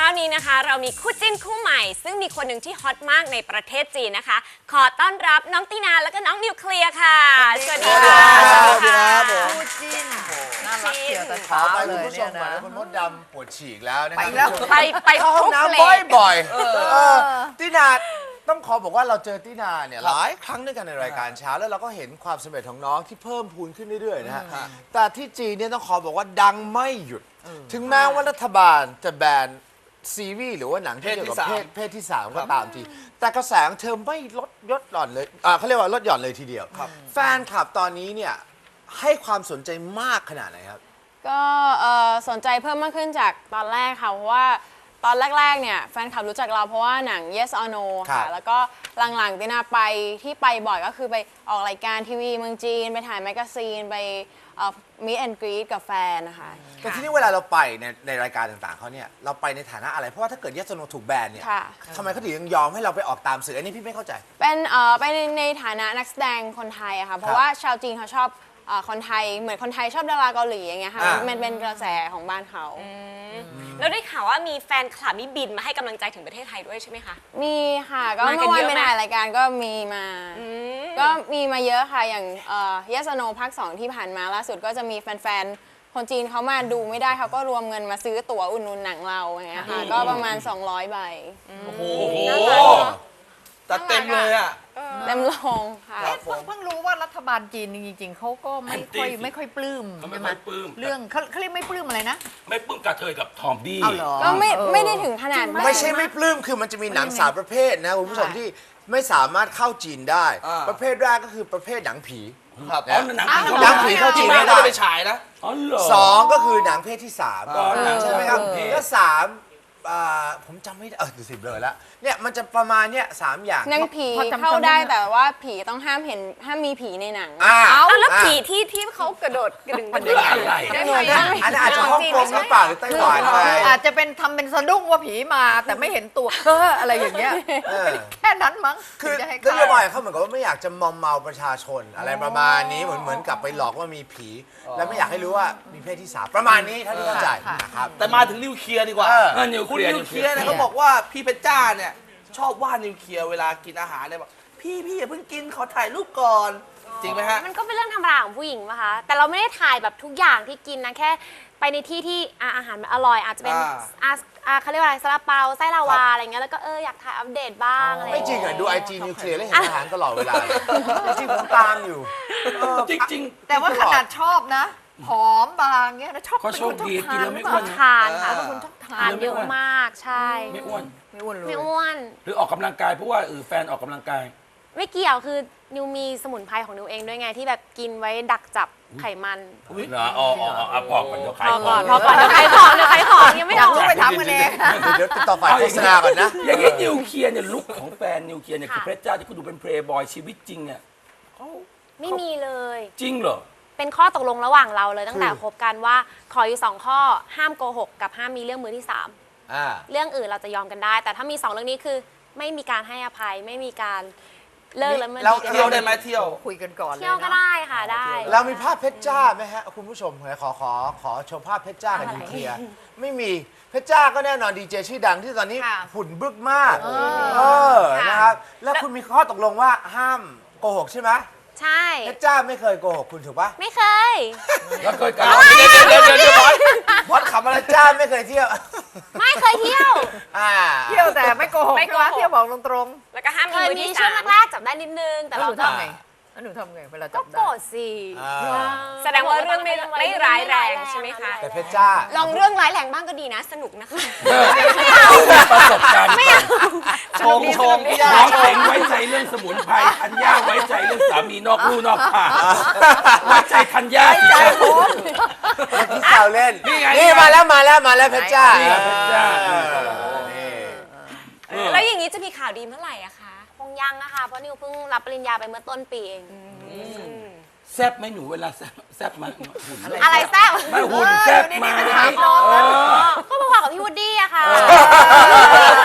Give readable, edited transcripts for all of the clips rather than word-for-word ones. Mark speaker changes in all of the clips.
Speaker 1: นี้นะคะเรามีคู่จิ้นคู่ใหม่ซึ่งมีคนหนึ่งที่ฮอตมากในประเทศจีนนะคะขอต้อนรับน้องตินาแล้วก็น้องนิวเคลียร์ค่ะสวัสดีค่ะ
Speaker 2: สวัสดีครับผม
Speaker 3: คู่จิ้นน่ารักเชียวแต่
Speaker 2: ขอ
Speaker 3: เช้า
Speaker 2: ไป
Speaker 3: เล
Speaker 2: คุณ
Speaker 3: ย
Speaker 2: ผู้ช
Speaker 3: เนี่ย
Speaker 2: มก่อน
Speaker 3: นะ
Speaker 2: นะคุณมดดำปวดฉีกแล้วนะค
Speaker 3: ไป
Speaker 2: รับ
Speaker 3: แล้ว
Speaker 1: ไป
Speaker 2: เข้าห้อง
Speaker 1: ทุก
Speaker 2: น้ำ
Speaker 1: เล
Speaker 2: บ่อยๆตินาต้องขอบอกว่าเราเจอตินาเนี่ยหลายครั้งด้วยกันในรายการเช้าแล้วเราก็เห็นความสำเร็จของน้องที่เพิ่มพูนขึ้นเรื่อยๆนะฮะแต่ที่จีนเนี่ยต้องขอบอกว่าดังไม่หยุด ถึงแม้ว่ารัฐบาลจะแบนซีรีส์หรือว่าหนังที่เกี่ยวกับเพศที่สามก็ตามทีแต่กระแสของเธอไม่ลดหย่อนเลยเขาเรียกว่าลดหย่อนเลยทีเดียวแฟนคลับตอนนี้เนี่ยให้ความสนใจมากขนาดไหนครับ
Speaker 4: ก็สนใจเพิ่มมากขึ้นจากตอนแรกค่ะเพราะว่าตอนแรกๆเนี่ยแฟนคลับรู้จักเราเพราะว่าหนัง Yes or No ค่ะแล้วก็หลังๆตินาไปที่ไปบ่อยก็คือไปออกรายการทีวีเมืองจีนไปถ่ายแมกกาซีนไปmeet and greet กับแฟนนะคะ
Speaker 2: แต่ที่นี่เวลาเราไปในรายการต่างๆเขาเนี่ยเราไปในฐานะอะไรเพราะว่าถ้าเกิดยัสโนถูกแบนเนี่ย
Speaker 4: ค่ะ
Speaker 2: ทำไมเขาถึงยังยอมให้เราไปออกตามสื่ออันนี้พี่ไม่เข้าใจ
Speaker 4: เป็นไปในฐานะนักแสดงคนไทยอะค่ะเพราะว่าชาวจีนเขาชอบคนไทยเหมือนคนไทยชอบดาราเกาหลีอย่างเงี้ยค่ะมันเป็นกระแสของบ้านเขา
Speaker 1: แล้วได้ข่าวว่ามีแฟนคลับนี่บินมาให้กำลังใจถึงประเทศไทยด้วยใช่ไหมคะ
Speaker 4: มีค่ะก็
Speaker 1: มากัน
Speaker 4: เมื่อวาน
Speaker 1: เยอะ
Speaker 4: ไป
Speaker 1: ไหม
Speaker 4: ถ่ายรายการก็มีมาก็มีมาเยอะค่ะอย่างYes or No ภาค 2 ที่ผ่านมาล่าสุดก็จะมีแฟนๆคนจีนเขามาดูไม่ได้เขาก็รวมเงินมาซื้อตั๋วอุดหนุนหนังเราอย่างเงี้ยค่ะก็ประมาณ200 ใบ
Speaker 3: โอ้โห
Speaker 5: ตัดเต็มเลยอ่ะ
Speaker 4: เต็มโรงค่ะ
Speaker 3: เอ๊ะเพิ่งรู้ว่ารัฐบาลจีนจริงๆเขาก็ไม่ค่อยปลื้ม
Speaker 6: เขาไม่
Speaker 3: ใช่ไหม
Speaker 6: ค่อยปลื้ม
Speaker 3: เรื่องเขาเรียกไม่ปลื้มอะไรนะ
Speaker 6: ไม่ปลื้มกระเทยกับทอมดี้
Speaker 3: เอาเหรอ
Speaker 4: ก็ไม่ได้ถึงขนาดนั้น
Speaker 2: ไม่ใช่ไม่ปลื้มคือมันจะมีหนังสามประเภทนะคุณผู้ชมที่ไม่สามารถเข้าจีนได้
Speaker 5: อ่า
Speaker 2: ประเภทแรกก็คือประเภทหนังผี
Speaker 5: ครับ
Speaker 6: อ๋อหนังผี
Speaker 2: หนังผีเข้าจีนไม่ได้
Speaker 5: ไปฉายนะ
Speaker 6: อ๋อเหรอ
Speaker 2: สองก็คือหนังเพศที่สาม
Speaker 6: อ๋อหนัง
Speaker 2: ใช่ไหมครับ
Speaker 6: เพศ
Speaker 2: แล้วสามผมจำไม่ได้ดูสิบเลยแล้วเนี่ยมันจะประมาณเนี่ยสามอย่าง
Speaker 4: หนังผี
Speaker 3: พอจำ
Speaker 4: เข้าได้
Speaker 3: จำได้
Speaker 4: แต่ว่าผีต้องห้ามมีผีในหนัง
Speaker 1: เอาแล้วผีที่เขากระโดดกระดึงกระดึง
Speaker 6: อะไร
Speaker 1: ได้ไหม
Speaker 2: อันนั้นอาจจะฮ่องกงหรือเปล่าหรือไต้หวันไป
Speaker 3: อาจจะเป็นทำเป็นสะดุ้งว่าผีมาแต่ไม่เห็นตัวอะไรอย่างเงี้ย
Speaker 2: เออ
Speaker 3: แค่นั้นมั้ง
Speaker 2: คือ
Speaker 3: ถึงจะให้
Speaker 2: น
Speaker 3: เข้า
Speaker 2: โยบายเขาเหมือนกับว่าไม่อยากจะมอมเมาประชาชนอะไรประมาณนี้เหมือนกับไปหลอกว่ามีผี และไม่อยากให้รู้ว่ามีเพศที่สามประมาณนี้เท่าที่เข้าใจนะครับ
Speaker 5: แต่มาถึงนิวเคลียร์ดีกว่า
Speaker 6: นิวเค
Speaker 5: คุณ
Speaker 6: ลียร์
Speaker 5: นิวเคลียร์เนี่ยเขาบอกว่าพี่เพชรจ้าเนี่ยชอบว่านิวเคลียร์เวลากินอาหารเนี่ยบอกพี่อย่าเพิ่งกินขอถ่ายรูปก่อน จริงไหมฮะ
Speaker 1: มันก็เป็นเรื่องธรรมดาของผู้หญิงป่ะคะแต่เราไม่ได้ถ่ายแบบทุกอย่างที่กินนะแค่ไปในที่ที่อาหารมันอร่อยอาจจะเป็นเขาเรียกว่าอะไรซาลาเปาไส้ลาวาอะไรเงี้ยแล้วก็อยากถ่ายอัปเดตบ้างอะไร
Speaker 2: ไม่จริงอ่ะดูไอจีนิวเคลียร์แล้วเห็นอาหารตลอดเวลาจริงๆผมตามอยู่
Speaker 6: จริง
Speaker 3: แต่ว่าขนาดชอบนะผอมบางเงี้ยนะชอบ
Speaker 6: ก็โชคดีกินแล้วไม่อ้
Speaker 1: ช
Speaker 6: ว
Speaker 1: อน บทานค่ะ
Speaker 3: เป็นคนชอบทา
Speaker 1: ทาน นเยอะมากใช่
Speaker 6: ไม่อ้วน
Speaker 3: ไม่อ้วนเลย
Speaker 1: ไม่อ้วน
Speaker 6: หรือออกกำลังกายเพราะว่าแฟนออกกำลังกาย
Speaker 1: ไม่เกี่ยวคือนิวมีสมุนไพรของนิวเองด้วยไงที่แบบกินไว้ดักจับไขมัน
Speaker 6: เหรออ๋อพอก่อนเดี๋ยวขาย
Speaker 1: พอ
Speaker 6: ข
Speaker 1: ก่
Speaker 6: อ
Speaker 1: อง นเดี๋ยวขายของยังไม่
Speaker 3: อยา
Speaker 1: อก อก
Speaker 3: รู้ไปทำกันเอง
Speaker 2: เดี๋ยวติดต่อฝ่ายโฆษณาก่อนนะ
Speaker 6: อย่างนี้นิวเคลียร์เนี่ยลุคของแฟนนิวเคลียร์เนี่ยคือเพชรจ้าที่คุณดูเป็นเพลย์บอยชีวิตจริงเนี่ยเขา
Speaker 1: ไม่มีเลย
Speaker 6: จริงเหรอ
Speaker 1: เป็นข้อตกลงระหว่างเราเลยตั้งแต่
Speaker 2: คือ
Speaker 1: คบกันว่าขออยู่2ข้อห้ามโกหกกับห้ามมีเรื่องมือที่สาม
Speaker 2: อ่า
Speaker 1: เรื่องอื่นเราจะยอมกันได้ แต่ถ้ามี2เรื่องนี้คือไม่มีการให้อภัยไม่มีการเลิกแล้วมันดีกัน
Speaker 5: เที่ยวได้ไหมเที่ยว
Speaker 3: คุยกันก่อนเลย
Speaker 1: เที่ยวก็
Speaker 3: นะ
Speaker 1: ได้ค่ะได้
Speaker 2: เรามีภาพเพชรจ้าไหมฮะคุณผู้ชมขอโชว์ภาพเพชรจ้ากับนิวเคลียร์ไม่มีเพชรจ้าก็แน่นอนดีเจชื่อดังที่ตอนนี้
Speaker 3: ค่ะ
Speaker 2: หุ่นบึกมากนะครับแล้วคุณมีข้อตกลงว่าห้ามโกหกใช่ไหม
Speaker 1: ใช่
Speaker 2: เพชรจ้าไม่เคยโกหกคุณถูกปะ
Speaker 1: ไม่เคย
Speaker 6: แล้วเคยกัน
Speaker 5: เดี๋ยวบอสขำอะไร
Speaker 2: เพชรจ้าไม่เคยเที่ยว
Speaker 1: ไม่เคยเที่ยว
Speaker 3: เที่ยวแต่ไม่โกหก
Speaker 1: ไม่โกหก
Speaker 3: ใช่ไหมเที่ยวบอกตรง
Speaker 1: แล้วก็ห้ามมีมือที่ช่วงแรกๆจับได้นิดนึง
Speaker 3: ๆ
Speaker 1: แต่
Speaker 3: แล้วห
Speaker 1: เรา
Speaker 3: นู
Speaker 1: ก็
Speaker 3: ทำไงแล้วหนูทำไงเวลาจั
Speaker 1: ก็
Speaker 3: บ
Speaker 1: โกร
Speaker 3: ได้
Speaker 1: ธสิ
Speaker 2: อ่า
Speaker 1: แสดงว่าเรื่องไม่ร้ายแรงใช่ไหมคะ
Speaker 2: แต่เพชรจ้า
Speaker 1: ลองเรื่องร้ายแรงบ้างก็ดีนะสนุกนะคะ
Speaker 6: ประสบการณ์
Speaker 5: ชงพี่ย่า
Speaker 6: น้อง
Speaker 5: ช
Speaker 6: เจ๋
Speaker 5: ง
Speaker 6: งไว้ใจเรื่องสมุนไพรธัญญาไว้ใจเรื่องสามีนอกลู่นอกทางไว้ใจธัญญาสิครับ
Speaker 2: ที่แซวเล่น
Speaker 6: นี่ไง
Speaker 2: นี่มาแล้วเพชรจ้า
Speaker 6: นี่เพชรจ้า
Speaker 1: แล้วอย่างนี้จะมีข่าวดีเมื่อไหร่อะคะคงยังนะคะเพราะนิวเพิ่งรับปริญญาไปเมื่อต้นปีเอง
Speaker 6: แซบไหมหนูเวลาแซบไหมหุ่น
Speaker 1: อะไรแซ่บ
Speaker 6: ไม่หุ่นแซบไหม
Speaker 3: ถามน้อง
Speaker 1: ก็พอๆกับพี่วูดดี้อะค่ะ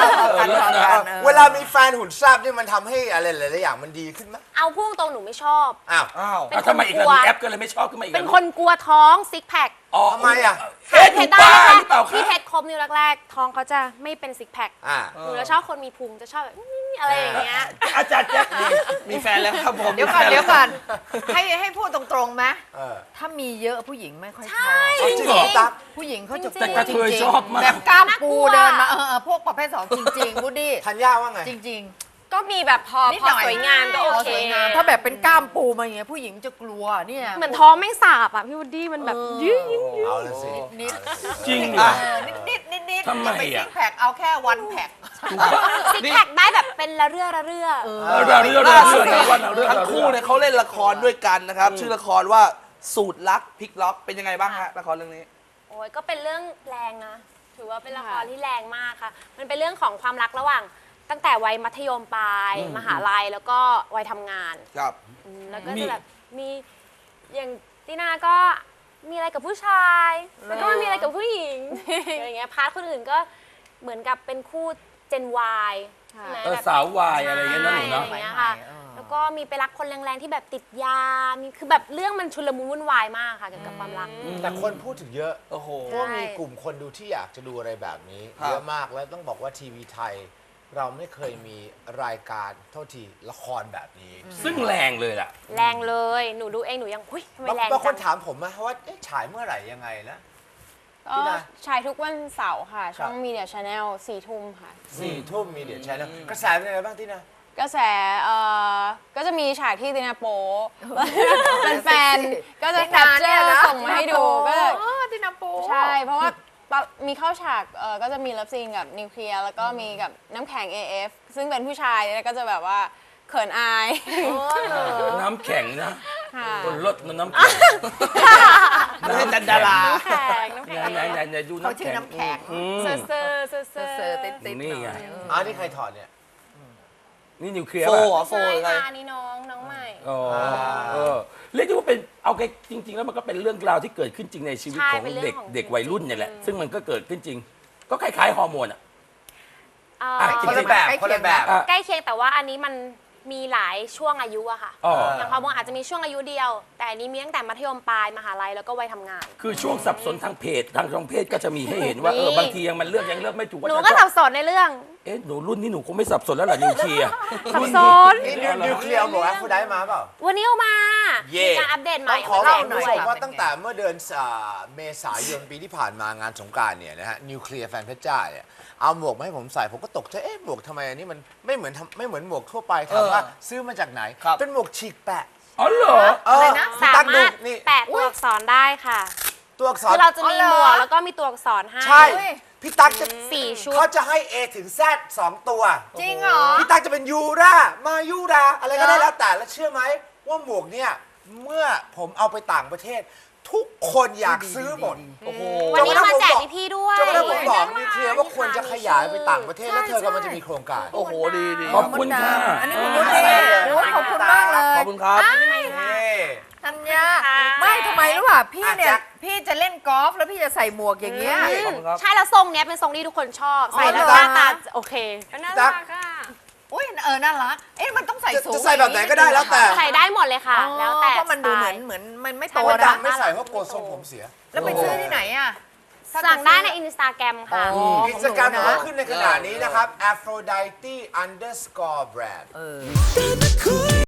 Speaker 3: กันฟังกัน
Speaker 2: เวลามีแฟนหุ่นแซ่บนี่มันทำให้อะไรหลายๆอย่างมันดีขึ้นไหม
Speaker 1: เอาพูดตรงหนูไม่ชอบ
Speaker 2: อ้าว
Speaker 5: อ้าว
Speaker 1: เป็น
Speaker 6: ทำไมอีกแล้ว
Speaker 1: คนกลัว
Speaker 6: ดูแอปก็เลยไม่ชอบขึ้นมาอีก
Speaker 1: เป็นคนกลัวท้องซิกแพค
Speaker 6: อ๋อ
Speaker 2: ทำไมอ่ะ
Speaker 6: เอ๊ะหนูบ้าหรือเปล่า
Speaker 1: ที่
Speaker 6: คะ
Speaker 1: เพชรครบนิ้วแรกๆท้องเขาจะไม่เป็นซิกแพค
Speaker 2: อ่า
Speaker 1: หนูจะชอบคนมีพุงจะชอบแบบอะไรอย่างเงี้ย
Speaker 6: อาจารย์แจ็คนี่
Speaker 5: มีแฟนแล้วครับผม
Speaker 3: เดี๋ยวก่อน
Speaker 5: มีแฟ
Speaker 3: เดี๋ยว
Speaker 5: แล้
Speaker 3: ก่อนให้พูดตรงๆไหม
Speaker 2: เออ
Speaker 3: ถ้ามีเยอะผู้หญิงไม่ค่อยชอบ
Speaker 6: จริงเหรอ
Speaker 2: ตั๊ก
Speaker 3: ผู้หญิงเขาจะ
Speaker 1: จริงๆ
Speaker 6: แต่กระเทยชอบมาก
Speaker 3: แบบกล้ามปู
Speaker 1: น่ากลัว
Speaker 3: เดินมาพวกประเภทสองจริงๆวูดดี้
Speaker 2: ธัญญาว่าไง
Speaker 3: จริง
Speaker 1: ก็มีแบบพอ
Speaker 3: นิด
Speaker 1: พอ
Speaker 3: หน่อย
Speaker 1: สวยงามก็โอ
Speaker 3: ๆ
Speaker 1: เค
Speaker 3: สวยงามถ้าแบบเป็นกล้ามปูมาอย่างเงี้ยผู้หญิงจะกลัวเนี่ย
Speaker 1: เหมือนท้องไม่สาบอ่ะพี่วูดดี้มันแบบยืด
Speaker 2: เอาละสิ
Speaker 3: นิด
Speaker 6: จริงเหร
Speaker 5: อ่ะ
Speaker 6: อ
Speaker 3: นิด
Speaker 6: ทำไม
Speaker 3: ไป
Speaker 6: อ่ะ
Speaker 3: ซิกแพคเอาแค่วันแพค
Speaker 1: ซิกแพคได้แบบเป็นละเรื่อละเรื่อ
Speaker 6: เราเรื่อง
Speaker 5: ล่าสุด
Speaker 6: เรื่องเรื่อง
Speaker 5: ทั้งคู่เนี่ยเขาเล่นละครด้วยกันนะครับ ชื่อละครว่าสูตรลักพลิกล็อกเป็นยังไงบ้างฮะละครเรื่องนี้
Speaker 1: โอ้ยก็เป็นเรื่องแรงนะ ถือว่าเป็นละครที่แรงมากค่ะ มันเป็นเรื่องของความรักระหว่างตั้งแต่วัยมัธยมปลายมหาลัยแล้วก็วัยทำงาน
Speaker 5: ครับ
Speaker 1: แล้วก็จะแบบมีอย่างตินาก็มีอะไรกับผู้ชาย แล้วก็มีอะไรกับผู้หญิงอย่างเงี้ยพาร์ทคนอื่นก็เหมือนกับเป็นคู่เจน Y ใช่ไหมแบบ
Speaker 6: สาววายอะไรอย่างเงี้ยนั่นหนูเนาะ
Speaker 1: ใช่อะไรอย่างเงี้ยค่ะ แล้วก็มีไปรักคนแรงๆที่แบบติดยา มีคือแบบเรื่องมันชุลมุนวุ่นวายมากค่ะเกี่ยวกับความรัก
Speaker 2: แต่คนพูดถึงเยอะ
Speaker 5: โอ้โห
Speaker 2: เพราะว่ามีกลุ่มคนดูที่อยากจะดูอะไรแบบนี้
Speaker 5: ครับ
Speaker 2: เยอะมากแล้วต้องบอกว่าทีวีไทย เราไม่เคยมีรายการโทษทีละครแบบนี้
Speaker 6: ซึ่งแรงเลยล่ะ
Speaker 1: แรงเลย หนูดูเองหนูยังหุ้ยทำไมแรง
Speaker 2: บางค
Speaker 1: จั
Speaker 2: น
Speaker 1: ง
Speaker 2: ถามผมนะว่าเอ๊ะฉายเมื่อไหร่ยังไงนะ
Speaker 4: ก็
Speaker 2: พี่นา
Speaker 4: ฉายทุกวันเสาร์ค่ะ ช่อง
Speaker 2: ครับ
Speaker 4: Media Channel 4 ทุ่มค่ะ
Speaker 2: 4 ทุ่มมีเดียแชนแนลกระแสเป็นยังไงบ้างที่นะ
Speaker 4: กระแสก็จะมีฉากที่ตินาโปเป็นแฟนๆก็จะแคปเจอร์ส่งมาให้ดูก็จะ
Speaker 3: ที่น้ำปู
Speaker 4: ใช่ เพราะว่ามีเข้าฉากก็จะมีเลิฟซีนกับนิวเคลียร์แล้วก็มีกับน้ำแข็ง AF ซึ่งเป็นผู้ชายแล้วก็จะแบบว่าเขินอาย
Speaker 6: น้ำแข็งนะ
Speaker 4: ค่ะ
Speaker 6: คนลดน้ำแข็ง
Speaker 5: ไม่ใช่ดารา
Speaker 1: น้ำแข็งน้ำแข็ง
Speaker 6: ไหนดู
Speaker 3: เขา
Speaker 6: น้ำ
Speaker 3: ชื่อ
Speaker 6: แข็ง
Speaker 3: น้ำแข็ง
Speaker 1: เซอร์เซอร์เซอร์เซอ
Speaker 3: เซอร์
Speaker 1: ร์
Speaker 3: ติดๆ
Speaker 6: นี่ไง
Speaker 2: อ๋อนี่ใครถอดเนี่ย
Speaker 6: นี่นิวเคลียร์
Speaker 5: โฟ
Speaker 6: ป่ะ
Speaker 5: เหรอโฟ
Speaker 1: ใช่
Speaker 5: อะไร
Speaker 1: ค่ะนี่น้องใหม่
Speaker 6: อ๋อเรียกได้ว่าเป็นเอาแค่จริง ๆ แล้วมันก็เป็นเรื่องราวที่เกิดขึ้นจริงในชีวิต
Speaker 1: ใช่
Speaker 6: ของ
Speaker 1: เป็นเรื่
Speaker 6: เด็
Speaker 1: อก งของ
Speaker 6: เด็กวัยรุ่นเนี่ยแหละ ซึ่งมันก็เกิดขึ้นจริง ก็คล้ายๆฮอร์โมนอ่ะ จริงๆ
Speaker 2: คนละแบบคนละแบบ
Speaker 6: อ่ะ
Speaker 1: ใกล้เคียงแต่ว่าอันนี้มันมีหลายช่วงอายุอะค่ะ
Speaker 6: อ๋อ
Speaker 1: อย่างฮอร์โมนอาจจะมีช่วงอายุเดียว แต่อันนี้มีตั้งแต่มัธยมปลายมหาลัยแล้วก็วัยทำงาน
Speaker 6: คือช่วงสับสนทางเพศทางเพศก็จะมีให้เห็นว่า
Speaker 1: มี
Speaker 6: บางทียังมันเลือกยังเลือกไม่ถูกว่า
Speaker 1: หนู
Speaker 6: จะ
Speaker 1: ก็
Speaker 6: ช
Speaker 1: สั
Speaker 6: อบบ
Speaker 1: สนในเรื่อง
Speaker 6: เอ๊ะหนูรุ่นนี้หนูคงไม่สับสนแล้วล่ะนิวเคลียร์
Speaker 1: สับสน
Speaker 2: นี่นิวเคลียร์บอกว่าฟูได้มาเปล่า
Speaker 1: วันนี้เอามา
Speaker 2: เย่
Speaker 1: มีการอัปเดตให
Speaker 2: ต้
Speaker 1: ม่
Speaker 2: องขอ
Speaker 1: มา
Speaker 2: บ
Speaker 1: แร
Speaker 2: อก
Speaker 1: ง
Speaker 2: คุณ
Speaker 1: ด้
Speaker 2: ผู้
Speaker 1: วย
Speaker 2: ชมว่าตั้งแต่เมื่อเดือนเมษายนปีที่ผ่านมางานสงกรานต์เนี่ยนะฮะนิวเคลียร์แฟนเพชรจ้าเนี่ยเอาหมวกมาให้ผมใส่ผมก็ตกใจเอ๊ะหมวกทำไมอันนี้มันไม่เหมือนหมวกทั่วไปถามว่าซื้อมาจากไหน
Speaker 5: ครับ
Speaker 2: เป็นหมวกฉีกแปะ
Speaker 6: อ๋อเหรอ
Speaker 2: อะไรนะ
Speaker 1: สา
Speaker 2: ตั้งดู
Speaker 1: มารถ
Speaker 2: นี่
Speaker 1: แปะตัวอักษรได้ค่ะ
Speaker 2: ตัวอักษร
Speaker 1: คือเราจะมี
Speaker 3: อ๋อเหรอ
Speaker 1: หมวกแล้วก็มีตัวอักษรให้
Speaker 2: ใช่พี่ตั๊กจะ
Speaker 1: 4 ชุด
Speaker 2: เขาจะให้ A ถึง Z 2 ตัว
Speaker 3: จริงเหรอ
Speaker 2: พี่ตั๊กจะเป็นยูรามายูราอะไรก็ได้แล้วแต่แล้วเชื่อไหมว่าหมวกเนี่ยเมื่อผมเอาไปต่างประเทศ ทุกคนอยากซื้อหมด
Speaker 5: โอ้โห
Speaker 1: วันนี้มาแจกพี่ๆด้วย
Speaker 2: จนกระทั่งผมบอกนิวเคลียร์ว่าควรจะขยายไปต่างประเทศแล้วเธอกำลังจะมีโครงการ
Speaker 5: โอ้โห ดีดี
Speaker 6: ขอบคุณค่ะ
Speaker 3: อันนี้คุณวุฒิโอ้ยขอบคุณมากเลย
Speaker 5: ขอบคุณครับ
Speaker 3: ธัญญา
Speaker 1: ค่ะ
Speaker 3: ไม่ทำไมรู้ป่ะพี่เนี่
Speaker 2: แจ็
Speaker 3: ย
Speaker 2: ค
Speaker 3: พี่จะเล่นกอล์ฟแล้วพี่จะใส่หมวกอย่างเงี้ย
Speaker 5: ขอบคุณครับ
Speaker 1: ใช่แล้วทรงเนี้ยเป็นทรงที่ทุกคนชอบ ใส่แล้ว
Speaker 3: เหรอ
Speaker 1: หน้าตาโอเคก็น่า
Speaker 2: ตั๊
Speaker 1: รั
Speaker 2: ก
Speaker 1: กอะ
Speaker 3: อุ้ยน่ารักเอ๊ะมันต้องใส่สูง
Speaker 2: จะใส่แบบไหนก็ได้แล้วแต่
Speaker 1: ใส่ได้หมดเลยค่ะ แล้วแต่
Speaker 3: เพราะมันดู
Speaker 1: สไต
Speaker 3: เหมือน
Speaker 1: ล์
Speaker 3: มันไม่
Speaker 1: ใช่
Speaker 3: โต
Speaker 2: คน
Speaker 3: นะ
Speaker 2: ดังไม่ใส่เพราะกลัวทรงผมเสีย
Speaker 3: แล้วไปซื้อที่ไหนอ่ะ
Speaker 1: สั่งได้ในอินสตาแกรมค่ะ
Speaker 2: อินสตาแกรมของเราขึ้นในขณะนี้นะครับ Aphrodite_brand